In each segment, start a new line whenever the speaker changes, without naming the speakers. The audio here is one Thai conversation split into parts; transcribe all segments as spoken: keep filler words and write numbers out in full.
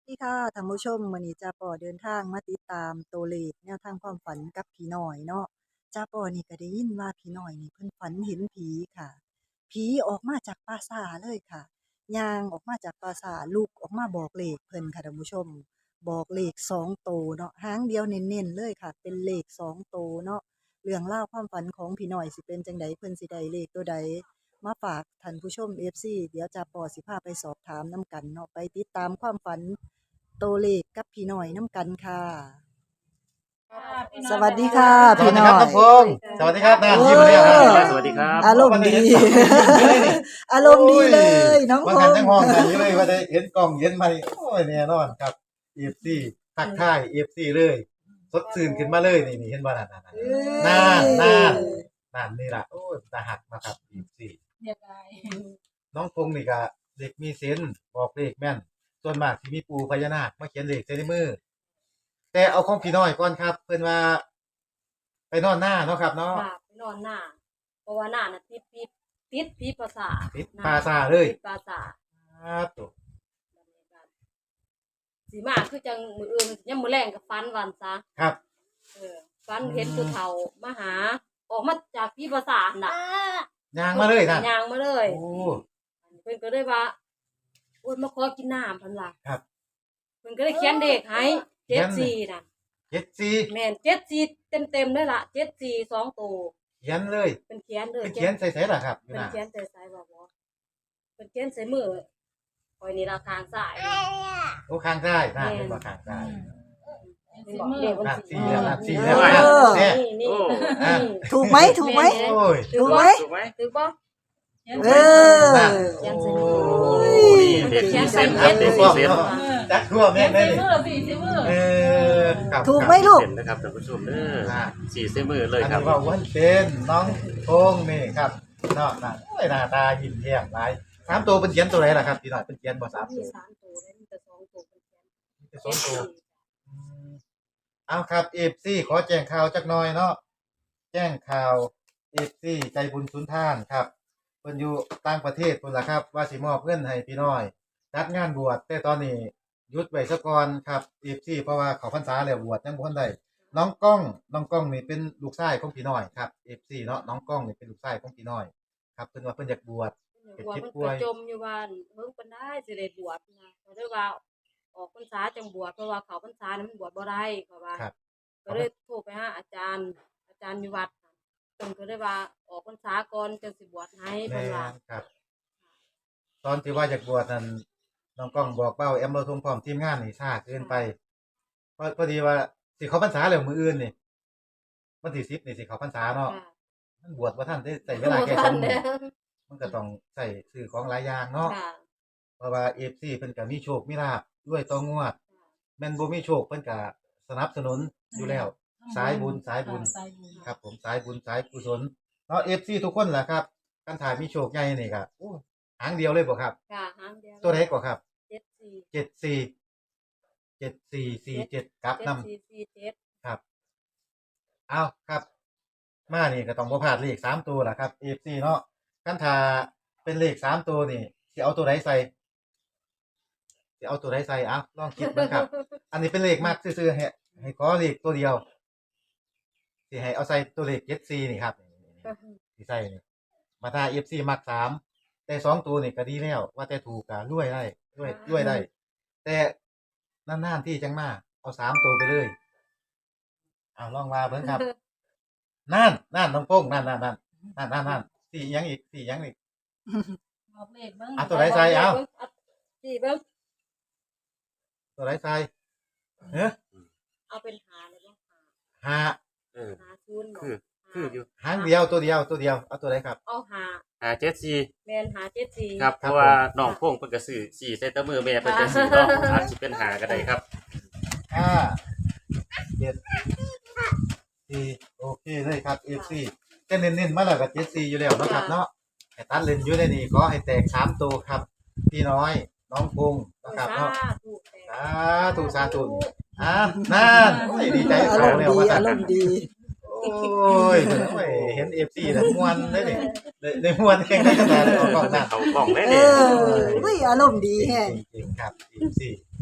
ดีค่ะท่านผู้ชมมื้อนี้จ้าป่อเดินทางมาติดตามตัวเลขแนวทางความฝันกับผีน้อยเนาะจ้าป่อนี่ก็ได้ยินว่าผีน้อยนี่เพิ่นฝันเห็นผีค่ะผีออกมาจากป่าช้าเลยค่ะย่างออกมาจากป่าช้าลุกออกมาบอกเลขเพิ่นค่ะท่านผู้ชมบอกเลขสองโตวเนาะหางเดียวเน้นๆเลยค่ะเป็นเลขสองโตวเนาะเรื่องราวความฝันของผีน้อยสิเป็นจั่งใดเพิ่นสิได้เลขตัวใดมาฝากท่านผู้ชม เอฟ ซี เดี๋ยวจ้าป่อสิพาไปสอบถามนำกันเนาะไปติดตามความฝัน ตัวเลขกับพี่น้อยน้ำกันค่ะ สวัสดีค่ะ
สวั
พี่
สดี
น้
ค
อ
รับ
ย
น้องพงษ์สวัสดีครับน้า
โอ้
ยิ้มเลยครับ
สวัสดีครับ
อารมณ์ดี อารมณ์ดีเลย น้อง
ว่า
พ
กัน
ง
ทั้ง
ษ์
ห้องกันอยู่เลยว่าได้เห็นกล้องเห็นมานี่โอ้ยแน่นอนครับ เอฟ ซี ทักทาย เอฟ ซี เลยสดชื่นขึ้นมาเลยนี่นี่เห็นบ่นั่นนั่นนั่นนั่นนั่นนี่ล่ะโอ้ยตาหักนะครับ เอฟ ซี
เรียบร้อย
น้องพงษ์นี่ก็เด็กมีเซนส์บอกเลขแม่นส่วนมากสิมีปู่พญานาคมาเขียนเลขใส่ในมือแต่เอาของพี่น้อยก่อนครับ เพิ่นว่า ไปนอนหน้าเนาะครับเนาะ
ค่ะไปนอนหน้า เพราะว่าหน้าน่ะติดติดติดผีภาษาท
ติดปลาซ่าเลย
ติดภาษาท
ครับตัว
สีมาคือจังมืออื่นยังมือแรงกับฟันวันซะ
ครับ
เออฟันเห็นผู้เฒ่ามาหา ออกมาจากผีภาษาทน่ะ
ยางมาเลยนะ
ยางมาเลย
โอ้
เพิ่นก็เลยว่าโอ้ยมาขอกินน้ำเพิ่นล่ะ
ครับ
เพิ่นก็เลยเขียนเด็กให้
เขี
เจ็
ย
ด
น
สี่น่ะ
เจ็ดสี่
แม่นเจ็ดสี่เต็มๆเลยล่ะเจ็ดสี่สองตัว
เขียนเลย
เป็นเขียนเลย
เป็นเขียนใส่ๆล่ะครับอยู่
เป็น
นะ
เขียนใส่สายบอกว่าเป็นเขียนใส่มือคอยนี่ราคางสาย
โอ้ข้างซ้ายนะเป็นว่าข้างซ้าย
เป็นบอกเด็กคน
นัด
สี
สี่แล้วนัดสี่
เอ
แล้ว
อ
นะเนี่ย
นี่นี่
อ่ะ
ถูกไหมถูกไหม
โอ้ย
ถือ
ถูกไหม
ว่า
ถูกไหม
ถือว่า
เออ
นั่น
เขียนใส่
โอ้
มือ
ย
เด็ก
เขียน
เซ
ใส่
น
มื
ครั
อบ
เด็ก
ถูก
เซน
ต้องจักทั่วแม่นได้นี่
มือสี่สิมือ
เออครับ
ถูกไหมลูก
เซนนะครับท่านผู้ชมเด้อสี่เซนมือเลย
อัน
ครับ
นี้ว่าวันเซนน้องพงษ์นี่ครับเนาะนั่นโอ้ยหน้าตายิ้มแย้มหลายสามตัวเป็นเขียนตัวไหนล่ะครับพี่น้อยเป็นเขียนบ่สาม
มี
ตัว
สามตัวแล้วมีแต่สองตัวเป็นเขียน
มีแต่สองตัว อืมเอาครับเอฟซีขอแจ้งข่าวจักหน่อยเนาะแจ้งข่าวเอฟซีใจบุญสุนทานครับเพิ่นอยู่ต่างประเทศพุ่นล่ะครับ ว่าสิมอบเงินให้พี่น้อยจัดงานบวชแต่ตอนนี้หยุดไว้ซะก่อนครับเอฟซีเพราะว่าเขาพรรษาแล้วบวชยังบ่ทันได้น้องก้องน้องก้องนี่เป็นลูกชายของพี่น้อยครับเอฟซีเนาะน้องก้องนี่เป็นลูกชายของพี่น้อย ครับเพิ่นว่าเพิ่นอยากบวช
บวชมันกระจมอยู่บ้านเพิ่งเป็นได้สิได้บวชนะก็เลยว่าออกพรรษาจังบวชเพราะว่าเขาพรรษานั้นมันบวชบ่ได้เพราะว่า
ครับ
ก็เลยโทรไปหาอาจารย์ อาจารย์อยู่วัดน่ะเพิ่นก็เลยว่าออกพรรษาก่อนจังสิบวชให้
แม่
เพิ่นว่า
นครับ ตอนที่ว่าอยากบวชนั้นน้องก้องบอกเป้าแอมเราทงพร้อมทีมงานนี่ช้าเกินไปพอพอดีว่าสิเขาพรรษาแล้วมื้ออื่นนี่วันที่สิบนี่สิเขาพรรษาเนาะ
ค่ะ
มันบวชบ่ทันได้ใช้เวลาแค่
บ่
ส
ทั
อง
น
มื้
เด้
อ
อ
มันก็ต้องใช้ซื้อของหลายอย่างเนาะ
ค่ะ
เพราะว่า เอฟ ซี เพิ่นก็มีโชคมีลาภด้วยต่องวดแม่นบ่มีโชคเพิ่นก็สนับสนุนอยู่แล้ว สายบุญสายบุญ
สายบุญ
ครับผมสายบุญสายกุศลเนาะ เอฟ ซี ทุกคนล่ะครับคันถ่ายมีโชคใหญ่นี่ก็โอ้หางเดียวเลยบ่ครับ
ค่ะหางเดียว
ตัวไหนก็ครับ
เจ็ดสี่
เจ็ดสี่ เจ็ดสี่สี่เจ็ดกลับ
เจ็ด
นำ
สี่สี่เจ็ด
ครับ เอาครับ มานี่ก็ต้องบ่พลาดเลขสามตัวล่ะครับ เอฟ ซี เนาะคันถ้าเป็นเลขสามตัวนี่สิเอาตัวไหนใส่สิเอาตัวไหนใส่เอ้าลองคิดเบิ่งครับ อันนี้เป็นเลขมากซื่อๆให้ให้ขอเลขตัวเดียวสิให้เอาใส่ตัวเลขเจ็ดสี่นี่ครับสิใส่นี่มาถ้า เอฟ ซี มักสามแต่สองตัวนี่ก็ดีแล้ว ว่าแต่ถูกก็รวยได้รวยรวยได้ แต่นานๆที่จังมาเอาสามตัวไปเลยเอาลองมาเบิ่งครับ นั่นนั่นน้องโป้งนั่นนั่นนั่นนั่นนั่นนั่นสี่หยังอีกสี่หยังอีก
บอกเลขเบิ่ง
อ่ะตัวไหนใส่เอา
สี่เบิ่ง
ตัวไหนใส่เฮ้ย
เอาเป็นหาเลยบ่หา
หา
เออ
หาศูนย์บ่
คือคืออยู่
หางเดียวตัวเดียวตัวเดียวเอาตัวไหนครับ
เอาหา
หาเจ็ดสี่
แม่นหาเจ็ดสี่
ครับเพราะว่าน้องพงเพิ่นก็ซื้อสี่เซนเตอร์มือแม่เพิ่นก็ซื้อเนาะอาจสิเป็นหาก็ได้ครับ
ห้าเจ็ดสี่โอเคเลยครับ เอฟ ซี จะเน้นๆมาแล้วกับเจ็ดสี่อยู่แล้วเนาะครับเนาะแต่ตัดเลนอยู่ในนี่ขอให้แตกสามตัวครับ พี่น้อย น้องพงนะครับเนาะ
ถูกแต่
สาธุสาธุอ่ะนั่นโอ้ยดีใจ
อาร
เขา
มณ์
แล้ว
ดี
ว่า
อา
ซั่น
รมณ์ดี
โอ้ยโอ้ยเห็น เอฟ ซี น่ะม่วนเด้นี่ได้ได้ม่วนแข่งได้ขนาดออกกล้องนั่น
เขากล่องได้
เอ
เนี่ย
ออุ้ยอารมณ์ดีแฮง
จริงๆครับ เอฟ ซี น้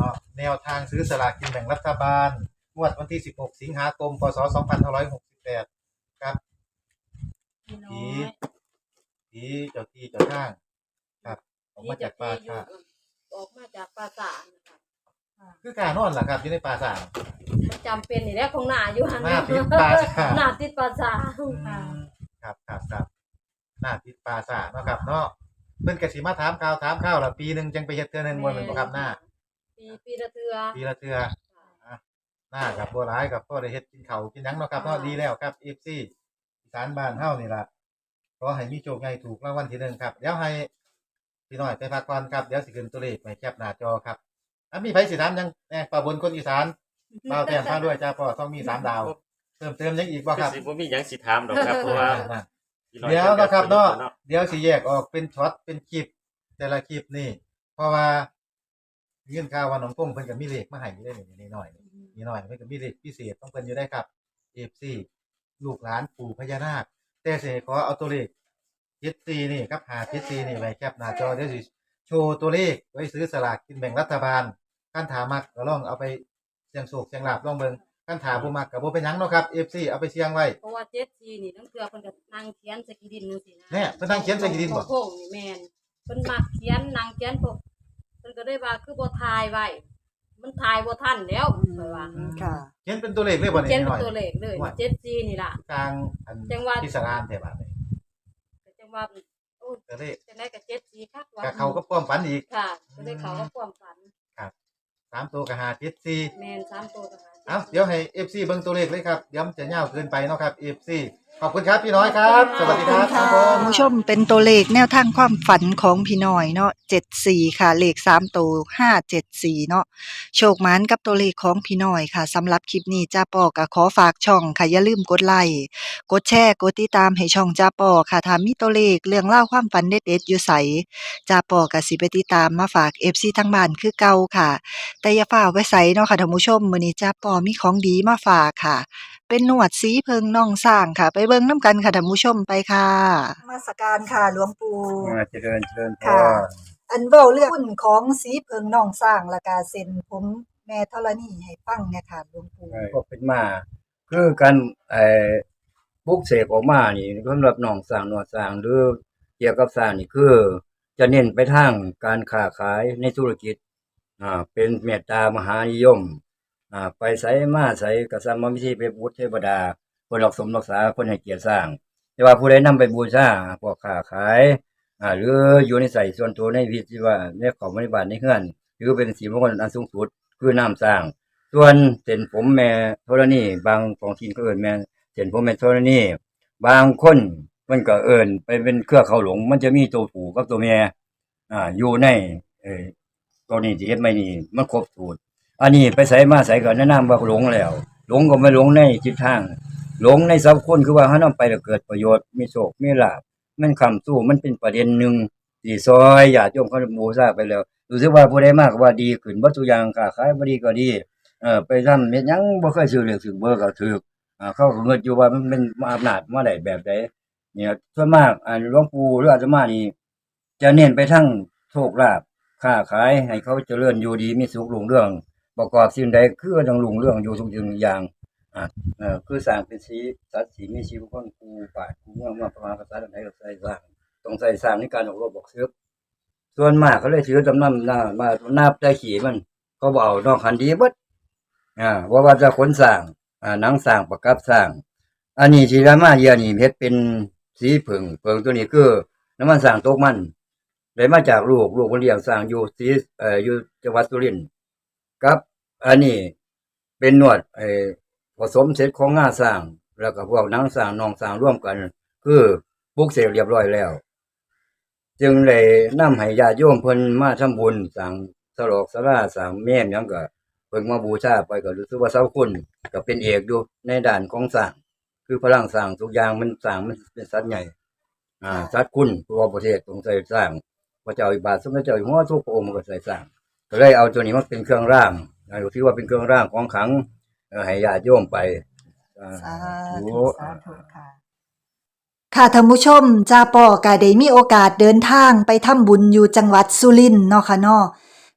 เนาะแนวทางซื้อสลากกินแบ่งรัฐบาลงวดวันที่สิบหกสิงหาคมพศสองพันห้าร้อยหกสิบแปดครับ
พี่น้อ
ผี
ย
ผีเจ้าที่เจ้าทางครับออกมาจากป่า
ที่
ช้า
จะอยู่ออกมาจากปราสาทนะคะ
คือการนอนล่ะครับอยู่ในป่าช้า
มันจำเป็นนี่แหละของหน้าอยู่หั่น
หน้าติดปราสาท
หน้าติดปราสาท
อืมครับครับครับหน้าติดป่าช้าเนาะครับเนาะเพิ่นก็สิมาถามข่าวถามข่าวละปีหนึงจังไปเฮ็ดเทื่อหนึงบ่แม่นบ่ครับหน้า
ปีปีละเทื่อ
ปีละเทื่ออ่ะหน้ากับบ่หลายกับพ่อได้เฮ็ดกินข้าวกินหยังเนาะครับเนาะดีแล้วครับ เอฟ ซี อีสานบ้านเฮานี่ล่ะขอให้มีโชคใหญ่ถูกรางวัลที่หนึ่งครับเดี๋ยวให้พี่น้อยไปพักก่อนครับเดี๋ยวสิขึ้นตัวเลขไว้แคปหน้าจอครับอ่ะมีไผสิถามหยังแหน่ป้าบนคนอีสานบ่าวแต้มพาด้วยจ้าพ่อต้องมีสามดาวเติมเติมหยังอีกบ่ครับ
สิบ่มีหยังสิถามดอกครับเพราะว่า
นั่น
พี่น้อย
เดี๋ยวนะครับเนาะ
เนาะ
เดี๋ยวสิแยกออกเป็นช็อตเป็นคลิป แต่ละคลิปนี่ เพราะว่าเงื่อนข่าวว่าน้องกุ้งเพิ่นก็มีเลขมาให้อยู่ได้นี่นิดหน่อยนิดหน่อยเพิ่นก็มีเลขพิเศษต้องเพิ่นอยู่ได้ครับ เอฟ ซี ลูกหลานปู่พญานาคแต่สิขอเอาตัวเลขเจ็ดสี่นี่ครับหาเจ็ดสี่นี่ไว้แคปหน้าจอเดี๋ยวสิโชว์ตัวเลขไว้ซื้อสลากกินแบ่งรัฐบาลคันถามักก็ลองเอาไปเสี่ยงโชคเสี่ยงลาภลองเบิ่งคันถาบ่มักก็บ่เป็นหยังเนาะครับ เอฟ ซี เอาไปเสี่ยงไว้
เพราะว่าเจ็ดซีนี่ทั้งเทื่อเพิ่นก็นั่งเขียนใส่กีดินจังซี่นะ
แน่เพิ่นนั่งเขียนใส่กีดินบ่
โค้งๆนี่แม่นเพิ่นมักเขียนนั่งเขียนพวกเพิ่นก็ได้ว่าคือบ่ทายไว้มันทายบ่ทันแล้วข่อยว่า
ค่ะ
เขียนเป็นตัวเลขเลยบ่
เขีย
นี่
น
นิดหน่อย
เป็นตัวเลขเลย
ว่า
เจ็ดซีนี่ล่ะ
กลางอัน
จังหวัด
พิศรานแท้บาดนี้
ก็จังว่าโอ้ย
ก็เลย
จังได๋ก็เจ็ดซีคักว่า
กับเขาก็ป้อมฝันอีก
ค่ะก็ได้เขาก็ความฝัน
สามตัวก็หาเจ็ดสี่
แม่นสามตัวก็หา
เอาเดี๋ยวให้ เอฟ ซี เบิ่งตัวเลขเลยครับเดี๋ยวมันจะยาวเกินไปเนาะครับ เอฟ ซี ขอบคุณครับพี่น้อยครับ สวัสดีครับครับผ
ท่าน
ม
ผู้ชมเป็นตัวเลขแนวทางความฝันของพี่น้อยเนาะเจ็ดสี่ค่ะ เลขสามตัวห้าเจ็ดสี่เนาะโชคหมานกับตัวเลขของพี่น้อยค่ะสำหรับคลิปนี้จ้าปอก็ขอฝากช่องค่ะอย่าลืมกดไลค์กดแชร์กดติดตามให้ช่องจ้าปอค่ะถ้ามีตัวเลขเรื่องเล่าวความฝันเด็ดๆอยู่ไสจ้าปอก็สิไปติดตามมาฝาก เอฟ ซี ทั้งบ้านคือเก่าค่ะ แต่อย่าฝ่าไว้ไสเนาะค่ะท่านผู้ชมมื้อนี้จ้าปอมีของดีมาฝากค่ะ เป็นหนวดสีเพิงน่องสร้างค่ะ ไปเบิ่งน้ำกันค่ะท่านผู้ชมไปค่ะมาสการค่ะหลวงปู่
อ่าเจริญเจริญพ
ค่ะ
ร
อันเว้าเรื่องหุ้นของสีเพิงน่องสร้างและกาเซ็นผมแม่ธรณีให้ฟังเนี่ยค่ะหลวงปู่
ก็เป็นมา คือการไอ้ปลุกเสกออกมานี่สำหรับหนองสร้างหนวดสร้างหรือเกี่ยวกับสร้างนี่คือ จะเน้นไปทางการค้าขายในธุรกิจอ่าเป็นเมตตามหานิยมอ่าไปไสมาไสก็สร้างมาวิธีไปบูชเทวดาเพิ่นรักสมรักษาเพิ่นให้เกียรติสร้าง แต่ว่าผู้ใดนำไปบูชาพวกค้าขายอ่าหรืออยู่ในใส่ส่วนตัวในวิธีว่าในของบริบาลในเฮือนหรือเป็นสีมงคลอันสูงสุดคือน้ำสร้าง ส่วนเส้นผมแม่ธรณีบางของทีนก็เอิ้นแม่เส้นผมแม่ธรณีบางคนมันก็เอิ้นไปเป็นเครือเขาหลง มันจะมีตัวผู้กับตัวแม่อ่าอยู่ในเอ่อตัวนี้ที่เฮ็ดไม่นี่มันครบสูตรอันนี้ไปใส่มาใส่ก็แนะนำว่าหลงแล้ว หลงก็ไม่หลงในจิตทาง หลงในสัพคุณคือว่าเฮานำไปแล้วเกิดประโยชน์มีโชคมีลาภมันคำสู้มันเป็นประเด็นหนึงที่ซอยญาติโยมเขาบูชาไปแล้วรู้สึกว่าผู้ใดมากว่าดีขึ้นบ่ทุกอย่างค้าขายบ่ดีก็ดี เออไปทำเฮ็ดหยังบ่เคยซื้อเลขซื้อเบอร์ก็ถูกอ่าเขาก็เงิดอยู่ว่ามันเป็นอำนาจมาได้แบบใดเนี่ยส่วนมากอ่าหลวงปู่หรืออาตมานี่จะเน้นไปทางโชคลาภค้าขายให้เขาเจริญอยู่ดีมีสุขรุ่งเรืองประกอบสิ่งใดคือต้องรุ่งเรืองอยู่ทุกสิ่งทุกอย่างอ่าเออคือสร้างเป็นสีสัตว์สีมีชีวิตคนครูป่าครูเมืองมาประมาณภาษาใดก็ใส่สร้างต้องใส่สร้างในการออกรบบอกซื้อส่วนมากเขาเลยถือจำนำหน้ามานับได้ขี่มันเขาบ่เอานอกคันดีเบิด อ่าว่าว่าจะขนสร้างอ่าหนังสร้างประกับสร้าง อันนี้ที่รามาเยียนี่เฮ็ดเป็นสีผึ่งเพิงตัวนี้คือน้ำมันสร้างตกมันได้มาจากลูกลูกคนเลี้ยงสร้างอยู่สีเอ่ออยู่จังหวัดสุรินทร์กับอันนี้เป็นนวดไอ้ผสมเสร็จของงาสร้าง แล้วก็พวกหนังสร้างนองสร้างร่วมกัน คือปลุกเสกเรียบร้อยแล้ว จึงได้นำให้ญาติโยมเพิ่นมาทำบุญสร้างสลอกศาลาสร้างแม่นหยังก็ เพิ่งมาบูชาไปก็รู้สึกว่าเสาคุณก็เป็นเอกอยู่ในด้านของสร้างคือพลังสร้างทุกอย่างมันสร้างมันเป็นสัตว์ใหญ่อ่าสัตว์คุณทั่วประเทศต้องใส่สร้างพระเจ้าอิบาทสมเด็จเจ้าอยู่หัวทุกพระองค์มันก็ใส่สร้างก็เลยเอาตัวนี้มาเป็นเครื่องร่างอ่าถือว่าเป็นเครื่องร่างของขลังเอ่อให้ญาติโยมไปอ่า
สา
ธุ
ธุสาธุค่ะ ค่ะท่านผู้ชมจ้าปอก็ได้มีโอกาสเดินทางไปทำบุญอยู่จังหวัดสุรินทร์เนาะค่ะเนาะ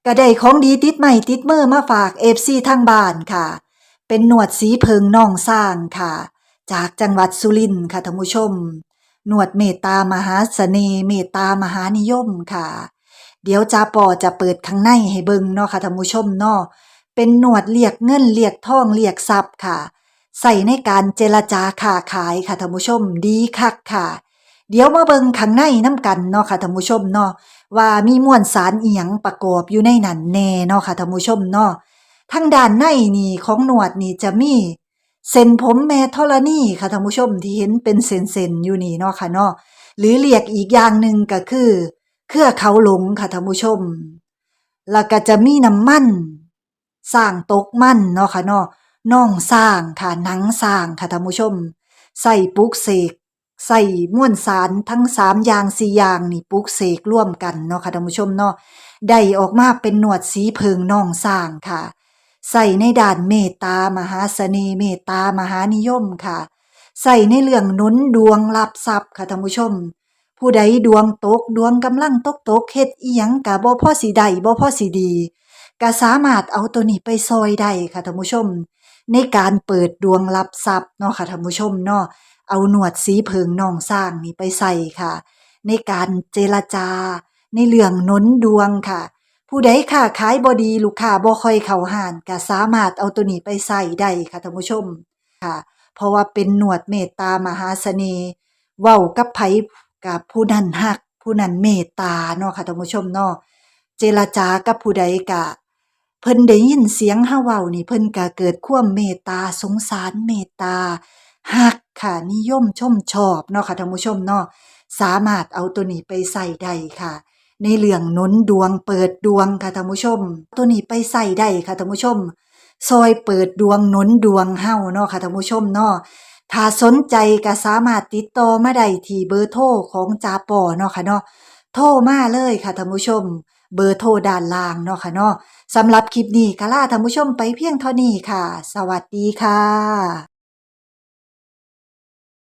ก็ได้ของดีติดใหม่ติดมือมาฝาก เอฟ ซี ทางบ้านค่ะ เป็นหนวดสีเพิงน่องสร้างค่ะ จากจังหวัดสุรินทร์ค่ะท่านผู้ชมหนวดเมตตามหาเสน่ห์เมตตามหานิยมค่ะ เดี๋ยวจาปอจะเปิดข้างในให้เบิ่งเนาะค่ะท่านผู้ชมเนาะเป็นหนวดเรียกเงินเรียกทองเรียกทรัพย์ค่ะ ใส่ในการเจรจาค้าขายค่ะท่านผู้ชมดีคักค่ะ เดี๋ยวมาเบิ่งข้างในน้ำกันเนาะค่ะท่านผู้ชมเนาะว่ามีมวลสารอีหยังประกอบอยู่ในนั้นแน่เนาะค่ะท่านผู้ชมเนาะทางด้านในนี่ของหนวดนี่จะมีเส้นผมแม่ธรณีค่ะท่านผู้ชมที่เห็นเป็นเส้นๆอยู่นี่เนาะค่ะเนาะหรือเรียกอีกอย่างหนึ่งก็คือเครือเขาหลงค่ะท่านผู้ชมแล้วก็จะมีน้ำมันสร้างตกมันเนาะค่ะเนาะน่องสร้างค่ะหนังสร้างค่ะท่านผู้ชมใส่ปลุกเสกใส่มวลสารทั้งสามอย่างสี่อย่างนี่ปลุกเสกร่วมกันเนาะค่ะท่านผู้ชมเนาะได้ออกมาเป็นหนวดสีเพิงน่องสร้างค่ะใส่ในด้านเมตตามหาเสน่ห์เมตตามหานิยมค่ะใส่ในเรื่องหนุนดวงรับทรัพย์ค่ะท่านผู้ชมผู้ใดดวงตกดวงกำลังตกตกเฮ็ดอีหยังก็บ่พอสิได้บ่พอสิดีก็สามารถเอาตัวนี้ไปซอยได้ค่ะท่านผู้ชมในการเปิดดวงรับทรัพย์เนาะค่ะท่านผู้ชมเนาะเอาหนวดสีเพิงน่องสร้างนี่ไปใส่ค่ะในการเจรจาในเรื่องหนุนดวงค่ะผู้ใดค้าขายบ่ดีลูกค้าบ่ค่อยเข้าห้านก็สามารถเอาตัวนี้ไปใส่ได้ค่ะท่านผู้ชมค่ะเพราะว่าเป็นหนวดเมตตามหาเสน่ห์เว้ากับไผกับผู้นั้นฮักผู้นั้นเมตตาเนาะค่ะท่านผู้ชมเนาะเจรจากับผู้ใดก็เพิ่นได้ยินเสียงเฮาเว้านี่เพิ่นก็เกิดความเมตตาสงสารเมตตาฮักค่ะนิยมชมชอบเนาะค่ะท่านผู้ชมเนาะสามารถเอาตัวนี้ไปใส่ได้ค่ะในเรื่องหนุนดวงเปิดดวงค่ะท่านผู้ชมตัวนี้ไปใส่ได้ค่ะท่านผู้ชมซอยเปิดดวงหนุนดวงเฮาเนาะค่ะท่านผู้ชมเนาะถ้าสนใจก็สามารถติดต่อมาได้ที่เบอร์โทรของจาปอเนาะค่ะเนาะโทรมาเลยค่ะท่านผู้ชมเบอร์โทรด้านล่างเนาะค่ะเนาะสำหรับคลิปนี้ก็ลาท่านผู้ชมไปเพียงเท่านี้ค่ะสวัสดีค่ะ